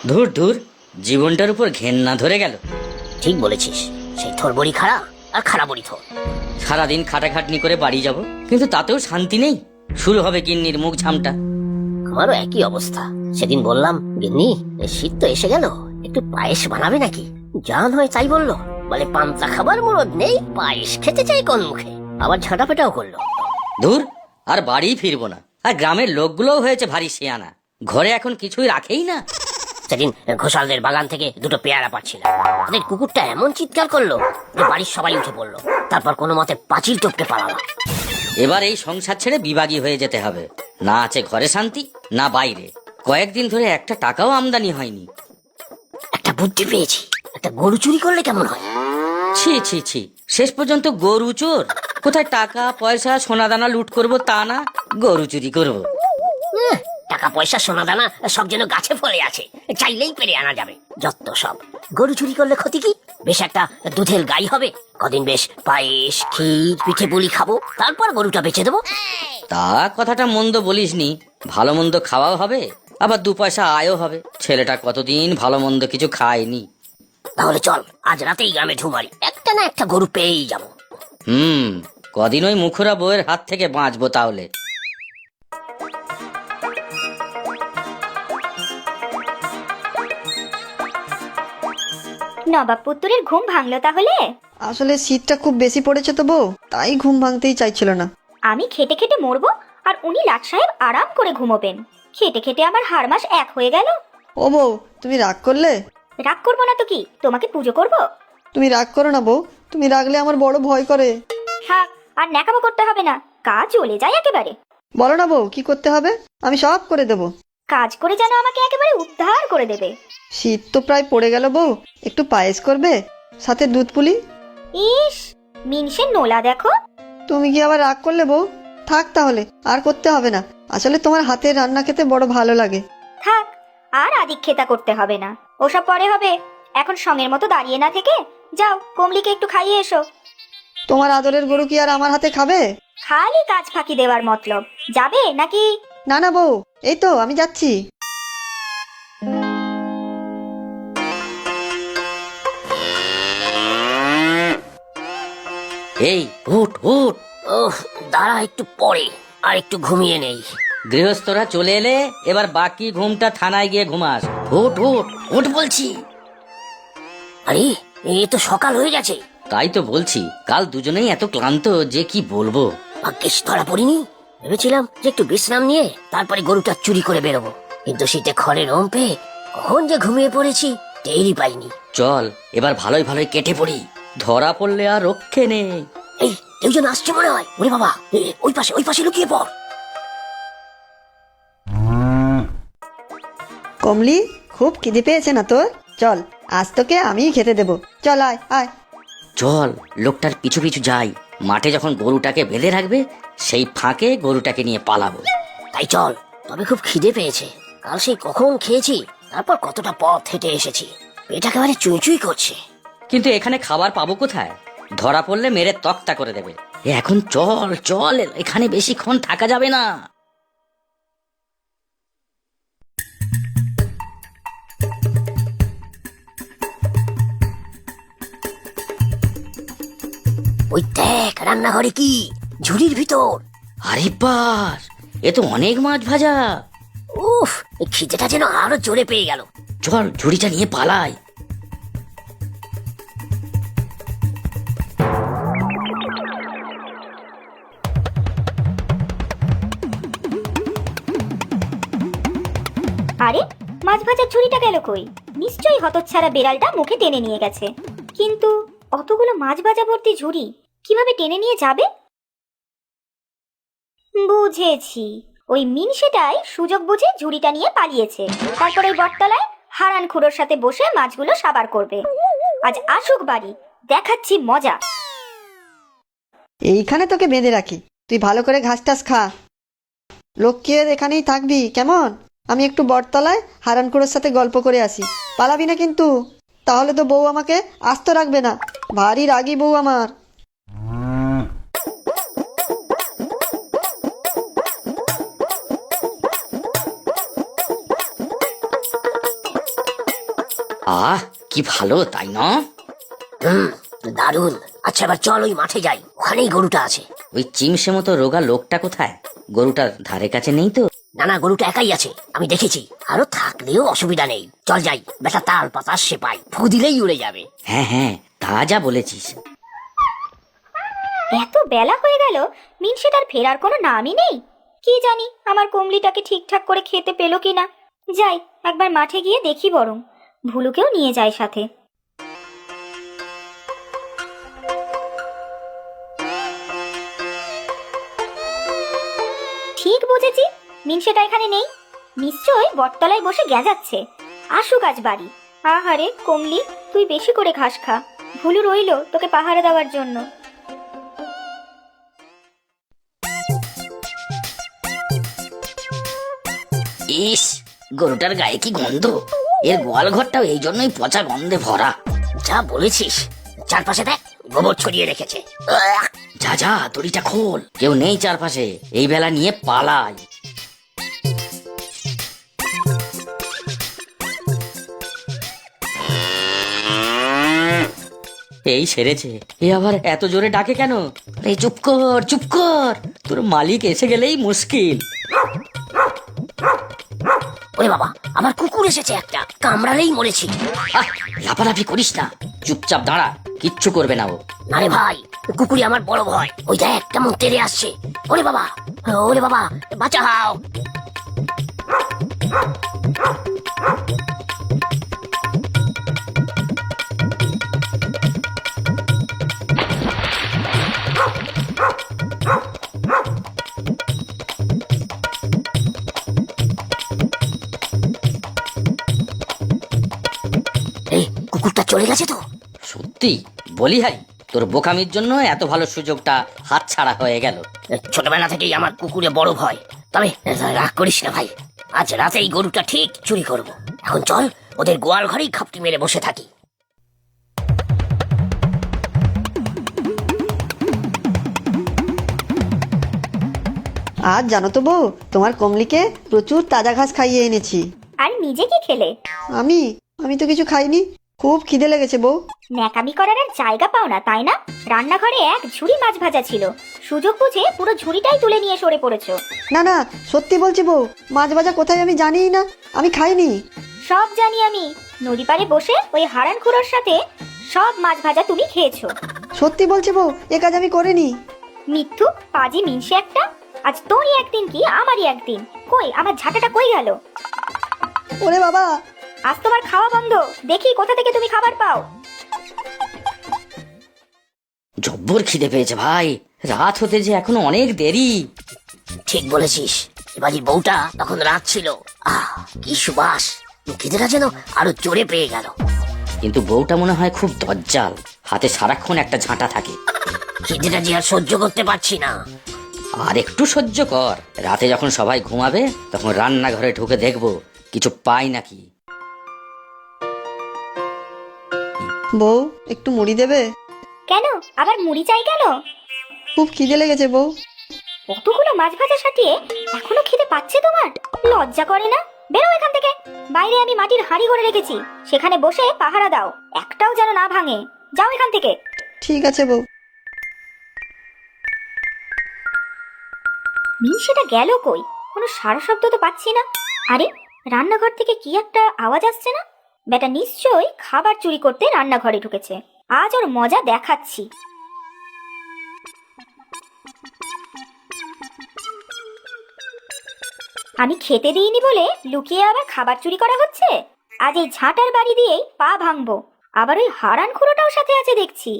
ধুর ধুর, জীবনটার উপর ঘেন্না ধরে গেল। ঠিক বলেছিস, সেই থোর বড়ি খাড়া আর খাড়া বড়ি থোর। সারাদিন খাটাখাটনি করে বাড়ি যাব, কিন্তু তাতেও শান্তি নেই। শুরু হবে গিন্নির মুখ ঝামটা। আমারও একই অবস্থা। সেদিন বললাম, গিন্নি শীত তো এসে গেল, একটু পায়েস বানাবে নাকি? জান হয় তাই বললো, বলে পান্তা খাবার মুরদ নেই, পায়েস খেতে চাই কোন মুখে। আবার ঝাঁটাপেটাও করলো। ধুর, আর বাড়ি ফিরবো না। আর গ্রামের লোকগুলোও হয়েছে ভারী শিয়ানা, ঘরে এখন কিছুই রাখেই না। সেদিন ঘোষালদের বাগান থেকে দুটো পেয়ারা পাচ্ছিলাম, তাদের কুকুরটা এমন চিৎকার করলো যে বাড়ির সবাই উঠে পড়লো। তারপর কোনো মতে পাঁচিল টপকে পালালাম। এবার এই সংসার ছেড়ে বিভাগী হয়ে যেতে হবে। না আছে ঘরে শান্তি, না বাইরে। কয়েকদিন ধরে একটা টাকাও আমদানি হয়নি। একটা বুদ্ধি পেয়েছি, একটা গরু চুরি করলে কেমন হয়? ছি ছি ছি, শেষ পর্যন্ত গরু চোর? কোথায় টাকা পয়সা সোনা দানা লুট করবো তা না, গরু চুরি করবো? টাকা পয়সা সোনা দানা সব যেন গাছে ফলে আছে, চাইলেই পেরে আনা যাবে। যত সব। গরু চুরি করলে ক্ষতি কি? বেশ একটা দুধের গাই হবে, কদিন বেশ পায়েস ক্ষীর পিঠে পুলি খাবো, তারপর গরুটা বেচে দেবো। তা কথাটা মন্দ বলিসনি। ভালো মন্দ খাওয়াও হবে, আবার দু পয়সা আয়ও হবে। ছেলেটা কতদিন ভালো মন্দ কিছু খায়নি। তাহলে চল আজ রাতেই গ্রামে ঢুমারি, একটা না একটা গরু পেয়েই যাবো। কদিন ওই মুখরা বউয়ের হাত থেকে বাঁচবো তাহলে। নবাব পুত্তরের ঘুম ভাঙলো তাহলে? আসলে শীতটা খুব বেশি পড়েছে তো বউ, তাই ঘুম ভাঙতেই চাইছিল না। আমি খেটে খেটে মরবো আর উনি লাট সাহেব আরাম করে ঘুমোবেন। খেটে খেটে আমার হাড় মাস এক হয়ে গেল। ও বউ, তুমি রাগ করলে? রাগ করবো না তো কি, তোমাকে পুজো করব? তুমি রাগ করো না বউ, তুমি রাগলে আমার বড় ভয় করে। থাক, আর ন্যাকামো করতে হবে না, কাজ চলে যায় একেবারে। বলো না বউ, কি করতে হবে? আমি সব করে দেবো। কাজ করে যেন আমাকে একেবারে উদ্ধার করে দেবে। শীত তো প্রায় পড়ে গেল বউ, একটু পায়েস করবে, সাথে দুধ পুলি। ইস, মিনসের নোলা দেখো। তুমি কি আবার রাগ করলে বউ? থাক তাহলে, আর করতে হবে না। আসলে তোমার হাতের রান্না খেতে বড় ভালো লাগে। থাক, আর আদিক্ষেতা করতে হবে না, ওসব পরে হবে। এখন সঙ্গের মতো দাঁড়িয়ে না থেকে যাও, কমলিকে একটু খাইয়ে এসো। তোমার আদরের গরু কি আর আমার হাতে খাবে? খালি কাজ ফাঁকি দেওয়ার মতলব। যাবে নাকি? না না বউ, এই তো আমি যাচ্ছি। এই উঠ উঠ। ওহ, দাঁড়া একটু পরে, আর একটু ঘুমিয়ে নেই। গৃহস্থরা চলে এলে এবার বাকি ঘুমটা থানায় গিয়ে ঘুমাস। উঠ উঠ উঠ বলছি। আরে, এ তো সকাল হয়ে গেছে। তাই তো বলছি, কাল দুজনেই এত ক্লান্ত যে কি বলবো। ভাগ্যিস ধরা পড়িনি। ভেবেছিলাম যে একটু বিশ্রাম নিয়ে তারপরে গরুটা চুরি করে বেরোবো, কিন্তু শীতে খড়ের ওম পেয়ে কখন যে ঘুমিয়ে পড়েছি টেরই পাইনি। চল এবার ভালোই ভালোই কেটে পড়ি, ধরা পড়লে আর রক্ষে নেই। এই, কেউ যেন আসছে মনে হয়। ওরে বাবা, ওই পাশে লুকিয়ে পড়। কমলি, খুব খিদে পেয়েছে না তোর? চল, আজ তোকে আমিই খেতে দেবো। চল আয় আয়। চল লোকটার পিছু পিছু যাই। মাঠে যখন গরুটাকে বেঁধে রাখবে, সেই ফাঁকে গরুটাকে নিয়ে পালাবো। তাই চল, তবে খুব খিদে পেয়েছে। কাল সেই কখন খেয়েছি, তারপর কতটা পথ হেঁটে এসেছি, পেট একেবারে চুই চুই করছে। কিন্তু এখানে খাবার পাবো কোথায়? ধরা পড়লে মেরে তক্তা করে দেবে। এখন চল চল, এখানে বেশিক্ষণ থাকা যাবে না। ওই দেখ, রান্নাঘরে কি ঝুড়ির ভিতর। আরে বাস, এ তো অনেক মাছ ভাজা। উফ, এই খিদেটা যেন আরো জোরে পেয়ে গেল। চল ঝুড়িটা নিয়ে পালাই। আরে, মাছ ভাজার ঝুড়িটা গেল কই? নিশ্চয়ই হতচ্ছাড়া বেড়ালটা মুখে টেনে নিয়ে গেছে। কিন্তু অতগুলো মাছ ভাজা ভর্তি ঝুড়ি কিভাবে টেনে নিয়ে যাবে? বুঝেছি, ওই মিনসেটাই সুযোগ বুঝে ঝুড়িটা নিয়ে পালিয়েছে। তারপর ওই বটতলায় হারান খুড়োর সাথে বসে মাছগুলো সাবার করবে। আজ আসুক বাড়ি, দেখাচ্ছি মজা। এইখানে তোকে বেঁধে রাখি, তুই ভালো করে ঘাস টাস খা। লক্ষ্মী এখানেই থাকবি কেমন? আমি একটু বটতলায় হারানকুড়োর সাথে গল্প করে আসি। পালাবি না কিন্তু, তাহলে তো বউ আমাকে আস্ত রাখবে না। ভারী রাগী বউ আমার। আহ কি ভালো তাই না? হুম, দারুণ। আচ্ছা এবার চল ওই মাঠে যাই, ওখানেই গরুটা আছে। ওই চিমসে মতো রোগা লোকটা কোথায়? গরুটার ধারে কাছে নেই তো? না না, গরুটা একাই আছে, আমি দেখেছি। আরো থাকলেও অসুবিধা নেই, চল যাই। বেটা তাল পাতা সে পাই, ফু দিলেই উড়ে যাবে। হ্যাঁ হ্যাঁ, তা যা বলেছিস। এত বেলা হয়ে গেল, মিনসেটার ফেরার কোনো নামই নেই। কি জানি আমার কমলিটাকে ঠিকঠাক করে খেতে পেলো কিনা। যাই একবার মাঠে গিয়ে দেখি, বরং ভুলুকেও নিয়ে যায় সাথে। ঠিক বুঝেছি, মিনসেটা এখানে নেই। নিশ্চয়ই বটতলায় বসে গেঁজাচ্ছে। আসুক আজ বাড়ি। আহারে কমলি, তুই বেশি করে ঘাস খা। ভুলু রইলো তোকে পাহারা দেওয়ার জন্য। ইস, গরুটার গায়ে কি গন্ধ! এর গোয়াল ঘরটাও এই জন্যই পচা গন্ধে ভরা। যা বলেছিস, চারপাশে দেখ গোবর ছড়িয়ে রেখেছে। আহ! যা যা, দড়িটা খোল, কেউ নেই চারপাশে, এই বেলা নিয়ে পালাই। এই সেরেছে। এ আবার এত জোরে ডাকে কেন? আরে চুপ কর চুপ কর, তোর মালিক এসে গেলেই মুশকিল। ওরে বাবা, আমার কুকুর এসেছে একটা, কামড়ালেই মরেছি। আহ, লাফালাফি করিস না, চুপচাপ দাঁড়া, কিচ্ছু করবে না ও। আরে ভাই, কুকুরই আমার বড় ভয়। ওই দেখ কেমন তেড়ে আসছে। ওরে বাবা, ওরে বাবা, বাঁচাও। এই কুকুরটা চলে গেছে তো? সত্যি বলি হাই, তোর বোকামির জন্য এত ভালো সুযোগটা হাতছাড়া হয়ে গেল। ছোটবেলা থেকেই আমার কুকুরে বড় ভয়। তবে রাগ করিস না ভাই, আজ রাতে এই গরুটা ঠিক চুরি করব। এখন চল ওদের গোয়াল ঘরেই খাপটি মেরে বসে থাকি। আজ জানো তো বউ, তোমার কমলিকে প্রচুর তাজা ঘাস খাইয়ে এনেছি। আর নিজে কি খেলে? আমি আমি তো কিছু খাইনি, খুব খিদে লেগেছে বউ। ন্যাকামি করার আর জায়গা পাও না তাই না? রান্নাঘরে এক ঝুড়ি মাছ ভাজা ছিল, সুযোগ বুঝে পুরো ঝুড়িটাই তুলে নিয়ে সরে পড়েছো। না না, সত্যি বলছি বউ, মাছ ভাজা কোথায় আমি জানিই না, আমি খাইনি। সব জানি আমি, নদী পাড়ে বসে ওই হারান খুড়োর সাথে সব মাছ ভাজা তুমি খেয়েছো। সত্যি বলছি বউ, এ কাজ আমি করিনি। মিথ্যু পাজি মিনসে একটা। আজ তোরই একদিন কি আমারই একদিন। কই আমার ঝাঁটাটা কই গেল? ওরে বাবা, আজ তোমার খাওয়া বন্ধ, দেখি কোথা থেকে তুমি খাবার পাও। জব্বর খিদে পেয়েছে ভাই, রাত হতে যে এখনো অনেক দেরি। ঠিক বলেছিস, এবারের বউটা তখন রাত ছিল। আহ কি সুবাস, খিদেটা যেন আরো জোরে পেয়ে গেল। কিন্তু বউটা মনে হয় খুব দজ্জাল, হাতে সারাক্ষণ একটা ঝাঁটা থাকে। খিদেটা যে আর সহ্য করতে পারছি না। আর একটু সহ্য কর, রাতে যখন সবাই ঘুমাবে তখন রান্নাঘরে ঢুকে দেখবো কিছু পাই নাকি। বউ একটু মুড়ি দেবে? কেন আবার মুড়ি চাই কেন? খুব খিদে লেগেছে বউ। কতগুলো মাছ ভাজা সাটিয়ে এখনো খিদে পাচ্ছে তোমার? লজ্জা করে না? বেরো এখান থেকে। বাইরে আমি মাটির হাঁড়ি করে রেখেছি, সেখানে বসে পাহারা দাও, একটাও যেন না ভাঙে। যাও এখান থেকে। ঠিক আছে বউ। মিনসেটা গেল কই? কোনো সারা শব্দ তো পাচ্ছি না। আরে রান্নাঘর থেকে কি একটা আওয়াজ আসছে না? বেটা নিশ্চয়ই খাবার চুরি করতে রান্নাঘরে ঢুকেছে। আজ ওর মজা দেখাচ্ছি। আমি খেতে দিইনি বলে লুকিয়ে আবার খাবার চুরি করা হচ্ছে? আজ এই ঝাঁটার বাড়ি দিয়েই পা ভাঙবো। আবার ওই হারান খুড়োটাও সাথে আছে দেখছি।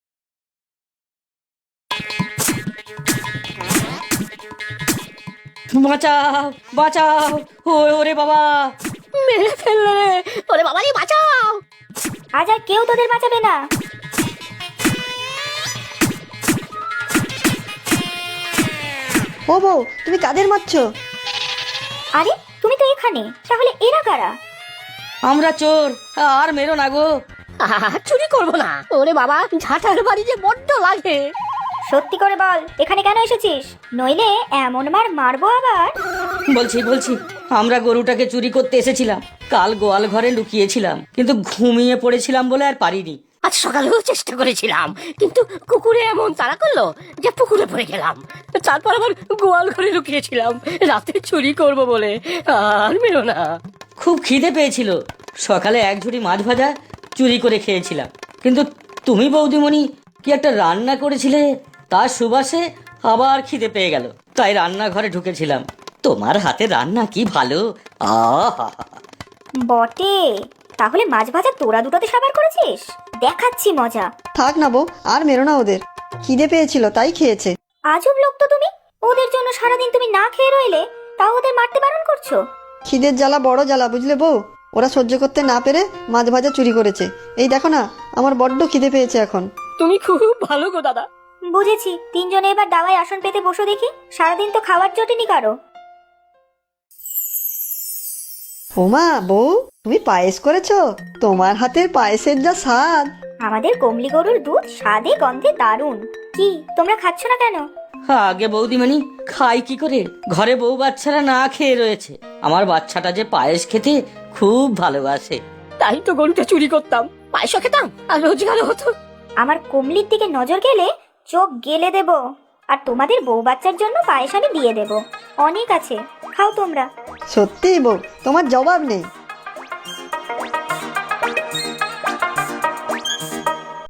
বাঁচাও বাঁচাও, ওরে বাবা! মেরে ফেললে, ওরে বাবা বাঁচাও। আজ আর কেউ তোদের বাঁচাবে না। ও বউ, তুমি কাদের মারছো? আরে তুমি তো এখানে, তাহলে এরা কারা? আমরা চোর, আর মেরো না গো। চুরি করবো না। ওরে বাবা, ঝাঁটার বাড়ি যে বড্ড লাগে। সত্যি করে বল, এখানে কেন এসেছিস? নইলে এমন মার মারবো আবার। বলছি আমরা গরুটাকে চুরি করতে এসেছিলাম। কাল গোয়াল ঘরে লুকিয়েছিলাম, কিন্তু ঘুমিয়ে পড়েছিলাম বলে আর পারিনি। আজ সকালেও চেষ্টা করেছিলাম, কিন্তু কুকুরে এমন তাড়া করলো যে পুকুরে পড়ে গেলাম। তারপর আবার গোয়াল ঘরে লুকিয়েছিলাম রাতে চুরি করব বলে। আর মেরো না। খুব খিদে পেয়েছিল, সকালে এক ঝুড়ি মাছ ভাজা চুরি করে খেয়েছিলাম, কিন্তু তুমি বৌদিমণি কি একটা রান্না করেছিলে, তার সুবাসে আবার খিদে পেয়ে গেল, তাই রান্নাঘরে ঢুকেছিলাম। তোমার হাতে রান্না কি ভালো! আহা! বটে, তাহলে মাছ ভাজা তোরা দুটোতে সাবার করেছিস? দেখাচ্ছি মজা। থাক না বউ, আর মেরো না ওদের, খিদে পেয়েছিল তাই খেয়েছে। আজব লোক তো তুমি, ওদের জন্য সারাদিন তুমি না খেয়ে রইলে তাও ওদের মারতে বারণ করছো। খিদের জ্বালা বড় জ্বালা, বুঝলে বউ? ওরা সহ্য করতে না পেরে মাছ ভাজা চুরি করেছে। এই দেখো না, আমার বড্ড খিদে পেয়েছে এখন। তুমি খুব ভালো গো দাদা। বুঝেছি, তিনজনে এবার দাওয়ায় আসন পেতে বসো দেখি, সারাদিন তো খাবার জোটেনি কারো। ওমা বউ, তুমি পায়েস করেছো? তোমার হাতের পায়েসের যা স্বাদ! আমাদের কমলি গরুর দুধ স্বাদে গন্ধে দারুণ। কি তোমরা খাচ্ছ না কেন? আগে বৌদিমণি, খাই কি করে? ঘরে বউ বাচ্চারা না খেয়ে রয়েছে। আমার বাচ্চাটা যে পায়েস খেতে খুব ভালোবাসে। তাই তো গরুটা চুরি করতাম, পায়েসও খেতাম আর রোজগারও হতো। আমার কমলির দিকে নজর গেলে চোখ গেলে দেব, আর তোমাদের বউ বাচ্চার জন্য পায়েস আমি দিয়ে দেব। অনেক আছে, খাও তোমরা। সত্যিই বউ, তোমার জবাব নেই।